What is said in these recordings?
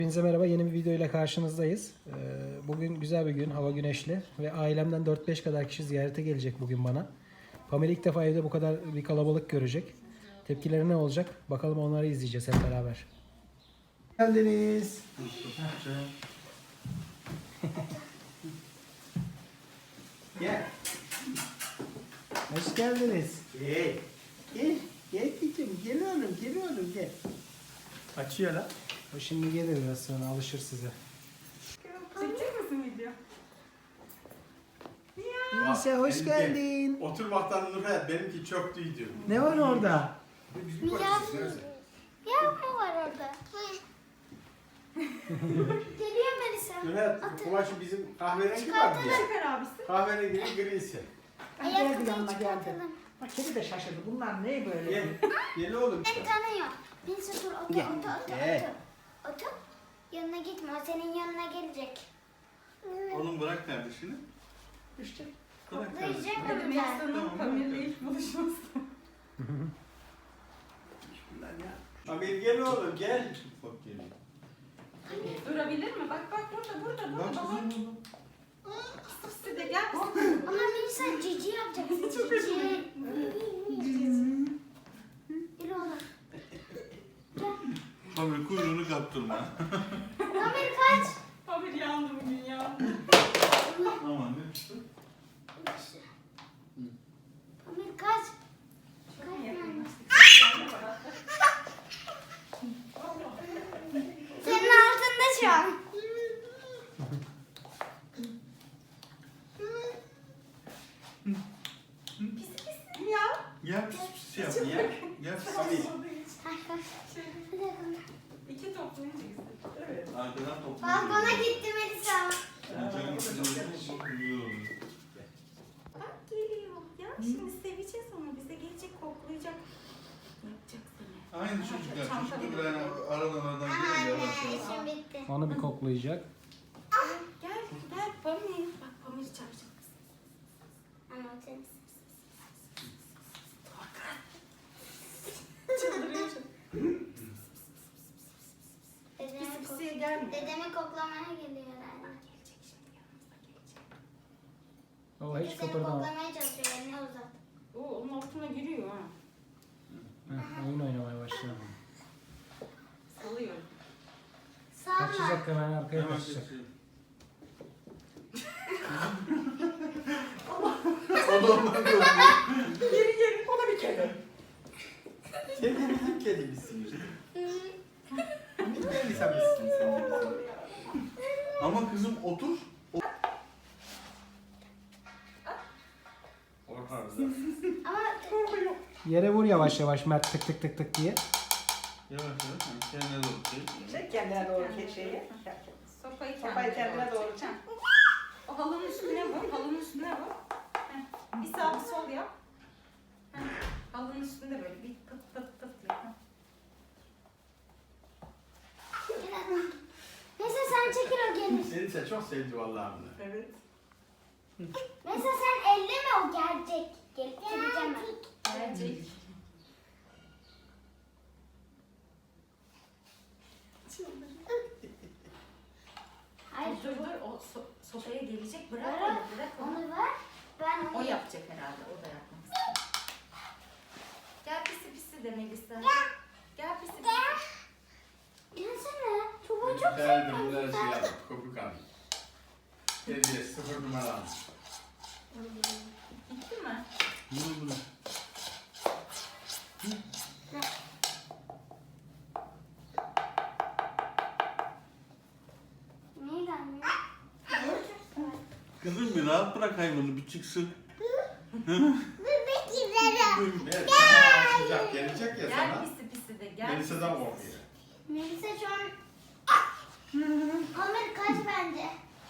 Hepinize merhaba, yeni bir video ile karşınızdayız. Bugün güzel bir gün, hava güneşli ve ailemden 4-5 kadar kişi ziyarete gelecek bugün bana. Pamela ilk defa evde bu kadar bir kalabalık görecek. Tepkileri ne olacak? Bakalım, onları izleyeceğiz hep beraber. Geldiniz. Gel. Hoş geldiniz. Gel. Gel. Gel kızım. Gel oğlum. Gel oğlum. Gel. Açıyor lan. O şimdi gelir, biraz sonra alışır size. Çekecek misin video? Neyse, hoş geldin. Oturmaktan Nurhayat benimki çok düydü. Ne var orada? Yavru var orada. Geliyor Melisa. Nurhayat kumaşı bizim kahverengi var diye. Çıkar abisi. Kahverengi grisi. Ayakkabıyı yanına geldi. çıkartalım. Bak kedi de şaşırdı. Bunlar ne böyle? Gel. Gel oğlum. Ben tanıyor. Melisa dur otur Gel. otur otur. Gel. Otur. Yanına gitme, o senin yanına gelecek. Oğlum bırak kardeşini. İşte Bırak kardeşini. Koklayacak Hadi mı ben? Melisa'nın Pamela ilk buluşması. Amir gel oğlum gel. Bak geliyor. Durabilir mi? Bak bak burada. Bak Baba. kızım. Sisi de gel. Ama Melisa cici yapacaksın. Cici. Yürü oğlum. Tabii kuyruğunu kaptırma. Amir kaç. Pamela yandı bugün ya. Aman ne çıktı? Amir kaç. Çok iyi yakınlaştık. Senin altında şu an. Pisi pisi ya. Gel pis pis yap. Gel pis Amir. pis. İki toplayınca güzel. evet. Arkadan topla. Balkona gitti Melisa. Canım kızım çok güzel olur. Bak geliyor. Ya şimdi seveceğiz onu. Bize gelecek koklayacak. Yapacak seni. Aynı çocuklar. Çanta Çocuklar gibi. böyle aradan aradan geliyor yavaş Anne, yavaş. işim bitti. Onu bir koklayacak. Gel Pamela. Bak Pamela çağıracak. Anne o senin. Çıldırıyor şimdi. Dedemi, Pisi pisiye gelmiyor. dedemi koklamaya geliyor herhalde. Gelecek şimdi yanımıza gelecek. O hiç Seni kıpırdama. koklamaya çalışıyor, elini uzat. Oo onun altına giriyor ha. Heh, oyun oynamaya başlıyor. Salıyor. Sağ Kaçacak, hemen arkaya Hemen kaçacak. kaçıyor. O da ondan korkuyor. Geri o da bir kedi. Sen de bizim kedimizsin işte. Melisa mısın sen de bizim? Ama kızım otur. Orada. Ama Yere vur yavaş yavaş Mert, tık tık tık tık diye. Yavaş yavaş. Kendine doğru çek. Çek kendine doğru şeyi. Sopayı Sopayı kendine doğru çek. O halının üstüne vur, halının üstüne vur. Heh, bir sağ bir sol yap. Heh, halının üstünde böyle bir pıt pıt pıt yap. neyse sen çekil, o gelir. Melisa çok sevdi vallahi bunu. Evet. Neyse sen elleme, o gelecek. Gelip geleceğim ben. Gelecek. Hayır, Dur dur, o sopaya gelecek. Bırak Bırak. onu, bırak onu. onu ver. Ben O onu yapacak herhalde, o da yapmak istiyor. Gel pisi pisi de Melisa. Gel pisi pisi. Gelsene. Çubuğu çok Geldim sevdim. bunları şey aldım. Kopuk aldım. Dedi 0 numara aldım. Gitti mi? Bunu. Neyi gelmiyor? Kızım bir rahat bırak hayvanı bir çıksın. Bebek izlerim. Evet, sana açacak. Gelecek ya Gel sana. pisi pisi de gel. Melisa'dan pisi korkuyor. Melisa şu an... Ömer kaç bence.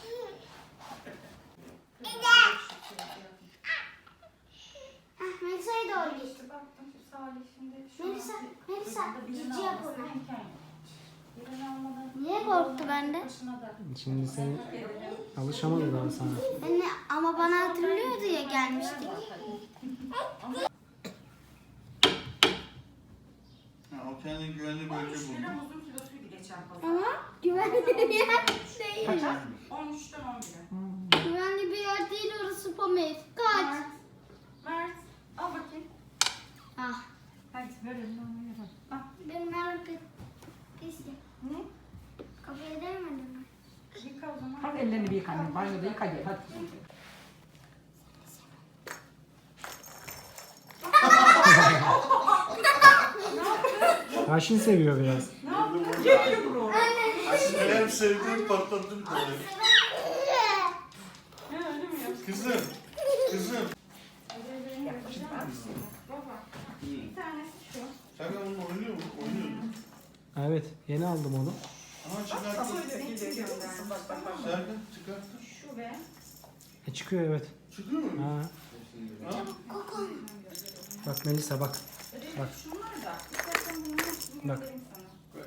Melisa'ya doğru git. İşte baktım şu Salih şimdi. şu Melisa, an Melisa, birini cici yap almasına ona. imkan yok. Birini almadan- Niye korktu bende? Başına da. Şimdi sen alışamadı daha sana. Anne ama bana hatırlıyordu ya, gelmiştik. Ha, o kendi güvenli bölge Üç buldu. lira muzun kilosuydu geçen. gideceğim pazara. Ama güvenli bir yer değil. Kaça? 13'ten 11'e. Güvenli bir yer değil orası Pamir. Kaç. Mert. Mert. Al bakayım. Ah. Hadi verelim onu yapalım. Al. Ben merak ettim. Ne? Kafaya değmedin mi? Yıka o zaman. Hadi ellerini bir yıka annem. Banyoda yıka gel hadi. Haşin seviyor biraz. Geliyor bro. Hem sevdiğim patlattım tabii. Ne öyle mi yapıyorsun? Kızım. Kızım. Baba. Bir tanesi şu. Sen onunla oynuyor musun? Oynuyordun. Evet, yeni aldım onu. Aha çıkarttın. Nasıl öyle geliyor görüyor musun? Bak bak bak. Serkan çıkarttın. Şu ve Çıkıyor evet. Çıkıyor mu? Ha, Ha? bak Melisa bak. Bak. şunlar da. İstersen bunu Bak. göndereyim sana.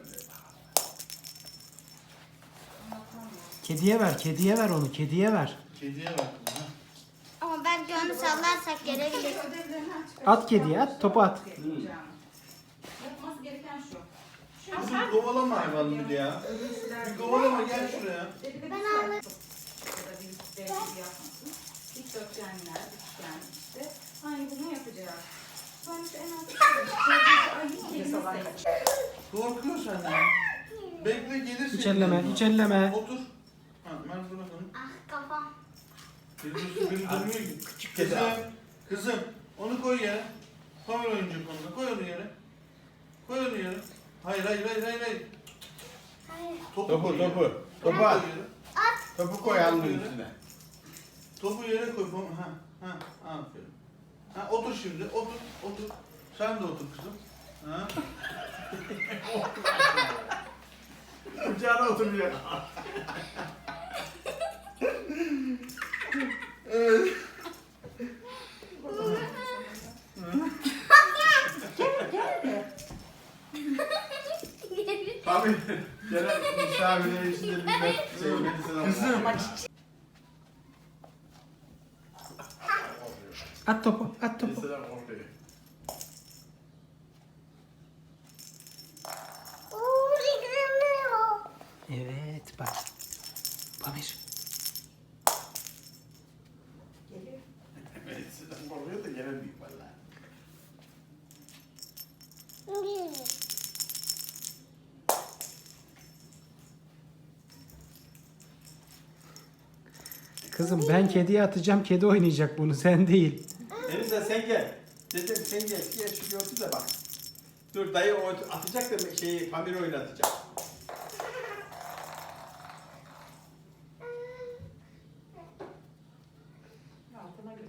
Kediye ver, kediye ver onu, kediye ver. Kediye bak. Ha. Ama belki onu sallarsak gelebilir. Ödevlerini aç. At kediye, at, topu at. Yapması gereken şu. Şu Kızım kovalama hayvanı bir de ya. Bir kovalama gel şuraya. Ben alırım. Ya da bir dev gibi yapmasın. Dikdörtgenler, üçgen işte. Aynı bunu yapacağız. Sonra işte en alt ay kedimiz de. Korkuyor senden. Bekle gelirsin. Hiç elleme, hiç elleme. Otur. Ha, Mert bırak onu. Ah kafam. Biri dönmüyor ki. Kızım. Kızım. Onu koy yere. Kamera oyuncak onunla. Koy onu yere. Koy onu yere. Hayır. Hayır. Topu koy yere. Topu koy at. yere. Topu koy alnının üstüne. Topu yere koy. Ha, aferin. Ha, otur şimdi. Otur. Sen de otur kızım. Ha. Kucağına oturuyor. Evet. Abi gelen misafirler içinde bir ben sevmedi sana. Kızım. At topu, at topu. Mesela ortaya. Evet, bak. Pamir. Melisa'dan korkuyor da gelen büyük valla. Kızım ben kediye atacağım, kedi oynayacak bunu, sen değil. Melisa sen gel. Dedim sen gel. Gel şu gördü de bak. Dur dayı o atacak da şeyi Pamir oynatacak. Altına gir.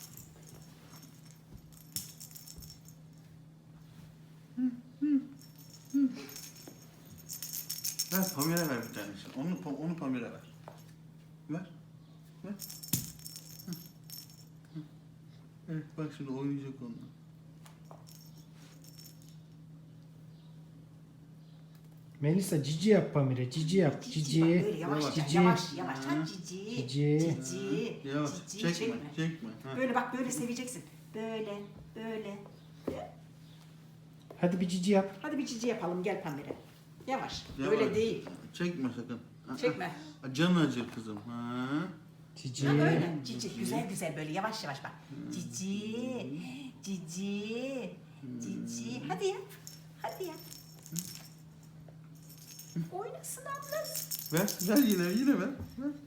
Ver Pamir'e ver bir tanesini. Onu Pamir'e ver. Ver. Hı. Evet bak şimdi oynayacak onunla. Melisa cici yap Pamir'e, cici yap, cici. Böyle yavaş Cici. yavaş yavaş. Ha, cici. Cici. Cici. Yavaş. Cici. Çekme. Ha. Böyle bak böyle seveceksin. Böyle. Hadi bir cici yap. Hadi bir cici yapalım gel Pamir'e. Yavaş. Yavaş. Böyle değil. Çekme sakın. Ha, Çekme. ha. Canı acır kızım. Ha. Cici. Ha böyle. Cici. Güzel böyle yavaş yavaş bak. Cici. Cici. Cici. Hadi yap. Hadi yap. Oynasın ablası. Ver yine ver.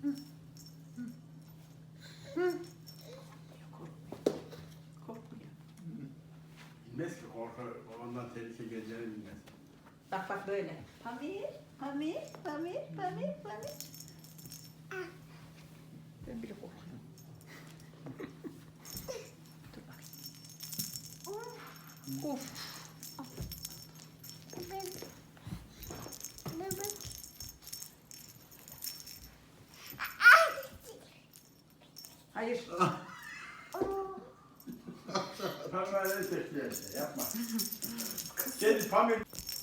Korkmuyor. Bilmez ki korku ondan tehlike geleceğini bilmez. Bak böyle. Pamir. Ben bile korkuyorum. Dur bakayım. Of. Hayır. Pamir'e tehlike yapma. Gel Pamir.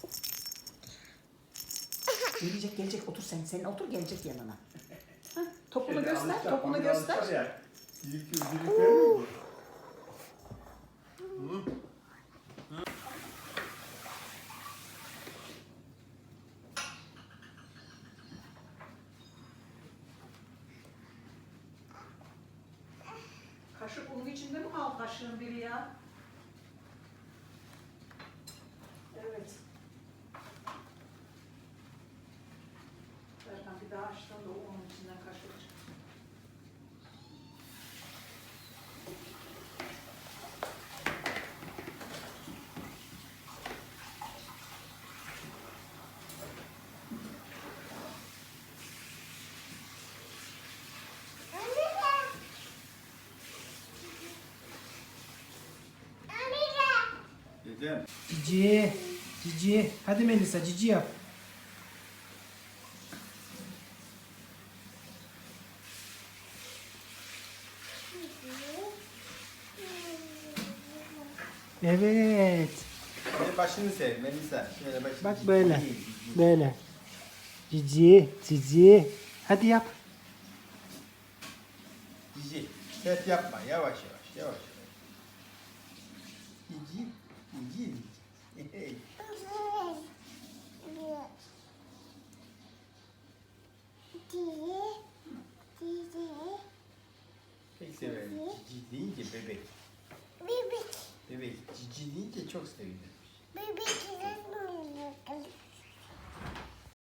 Gelecek. Otur sen. Sen otur gelecek yanına. Hah, topunu Şeyde göster. alışacak, Topunu Pamir göster. alışacak ya. Dilik vermiyor mu? içinde mi kaldı kaşığın biri ya? Evet. Erkan bir daha açtım da onun içinden kaşık çıktı. Dedem. Cici. Cici. Hadi Melisa cici yap. Evet. Şöyle başını sev Melisa. Şöyle başını. Bak böyle. Cici, cici. Böyle. Cici. Cici. Hadi yap. Cici. Sert yapma. Yavaş yavaş. Yavaş yavaş. Cici. Cici. Cici. Pek severim. Cici deyince bebek. Bebek. Cici deyince çok sevinir. Bebek